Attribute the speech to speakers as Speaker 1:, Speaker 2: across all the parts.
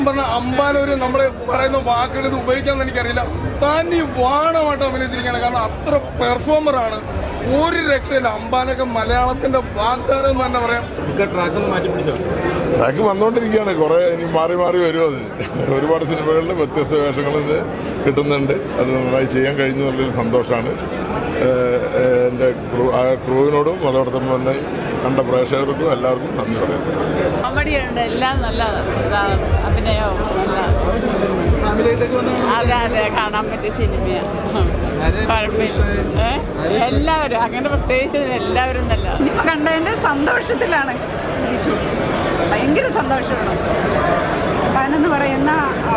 Speaker 1: പറഞ്ഞ അമ്പാനൂര് നമ്മള് പറയുന്ന വാക്കുകൾ ഇത് ഉപയോഗിക്കാന്ന് എനിക്കറിയില്ല. താൻ ഈ വാണമായിട്ട് അഭിനയിച്ചിരിക്കുകയാണ്. കാരണം അത്ര പെർഫോമറാണ്, ഒരു രക്ഷയില്ല. അമ്പാനൊക്കെ മലയാളത്തിന്റെ വാഗ്ദാനം എന്ന് തന്നെ പറയാം.
Speaker 2: ട്രാക്ക് വന്നുകൊണ്ടിരിക്കുകയാണ്. കുറെ ഇനി മാറി മാറി വരും. അത് ഒരുപാട് സിനിമകളിൽ വ്യത്യസ്ത വേഷങ്ങളിൽ കിട്ടുന്നുണ്ട്. അത് നന്നായി ചെയ്യാൻ കഴിഞ്ഞു എന്നുള്ളൊരു സന്തോഷമാണ്. എൻ്റെ ക്രൂവിനോടും അതോടൊപ്പം തന്നെ കണ്ട പ്രേക്ഷകർക്കും എല്ലാവർക്കും നന്ദി പറയുന്നു.
Speaker 3: കോമഡിയുണ്ട്, എല്ലാം നല്ല അഭിനയവും അതെ അതെ കാണാൻ പറ്റിയ സിനിമയാണ്. കുഴപ്പമില്ല, എല്ലാവരും അങ്ങനെ പ്രത്യേകിച്ച് എല്ലാവരും നല്ല
Speaker 4: സിനിമ കണ്ടതിൻ്റെ സന്തോഷത്തിലാണ്. എനിക്ക് ഭയങ്കര സന്തോഷമാണ്. താനെന്ന് പറയുന്ന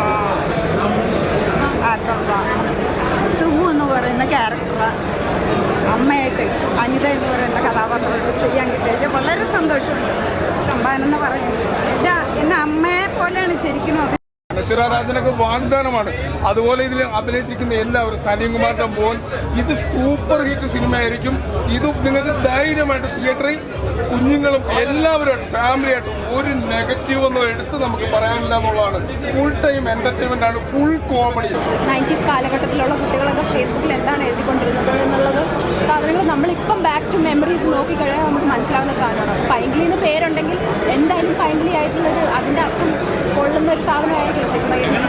Speaker 4: സുമു എന്ന് പറയുന്ന ക്യാരക്ടർ അമ്മയായിട്ട് അനിത എന്ന് പറയുന്ന കഥാപാത്രങ്ങൾ ചെയ്യാൻ കിട്ടിയത് വളരെ സന്തോഷമുണ്ട്. അമ്പാനെന്ന് പറയുന്നത് എന്നെ അമ്മയെ പോലെയാണ് ശരിക്കും.
Speaker 1: നശ്വരാജനൊക്കെ വാഗ്ദാനമാണ്. അതുപോലെ ഇതിൽ അഭിനയിച്ചിരിക്കുന്ന എല്ലാവരും, സലീം കുമാറിന്റെ മോൻ, ഇത് സൂപ്പർ ഹിറ്റ് സിനിമയായിരിക്കും. ഇത് നിങ്ങൾക്ക് ധൈര്യമായിട്ട് തിയേറ്ററിൽ കുഞ്ഞുങ്ങളും എല്ലാവരുമായിട്ട് ഫാമിലിയായിട്ട് ഒരു നെഗറ്റീവ് ഒന്നും എടുത്ത് നമുക്ക് പറയാനില്ല എന്നുള്ളതാണ്. ഫുൾ ടൈം എന്റർടൈൻമെന്റ് ആണ്, ഫുൾ കോമഡി.
Speaker 5: 90s കാലഘട്ടത്തിലുള്ള കുട്ടികളൊക്കെ ഫേസ്ബുക്കിൽ എന്താണ് എഴുതിക്കൊണ്ടിരുന്നത് എന്നുള്ളത് സാധനങ്ങൾ നമ്മളിപ്പം ബാക്ക് ടു മെമ്മറീസ് നോക്കിക്കഴിഞ്ഞാൽ നമുക്ക് മനസ്സിലാവുന്ന സാധനമാണ്. പൈങ്കിളിന്ന് പേരുണ്ടെങ്കിൽ എന്തായാലും പൈങ്കിളി ആയിട്ടുള്ളൊരു അതിൻ്റെ അർത്ഥം കൊള്ളുന്ന ഒരു സാധനമായിരിക്കും സിനിമ.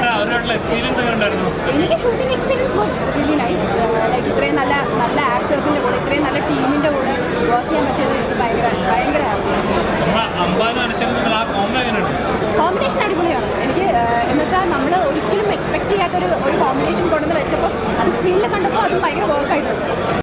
Speaker 5: എനിക്ക് shooting experience was really nice. Like ഇത്രയും നല്ല നല്ല ആക്ടേഴ്സിൻ്റെ കൂടെ ഇത്രയും നല്ല ടീമിൻ്റെ കൂടെ വർക്ക് ചെയ്യാൻ പറ്റിയത് ഭയങ്കര കോമ്പിനേഷൻ അടിപൊളിയാണ്. എനിക്ക് എന്ന് വെച്ചാൽ നമ്മൾ ഒരിക്കലും എക്സ്പെക്ട് ചെയ്യാത്തൊരു കോമ്പിനേഷൻ കൊണ്ടുവന്ന് വെച്ചപ്പോൾ അത് സ്ക്രീനിൽ കണ്ടപ്പോൾ അത് ഭയങ്കര വർക്കായിട്ടുണ്ട്.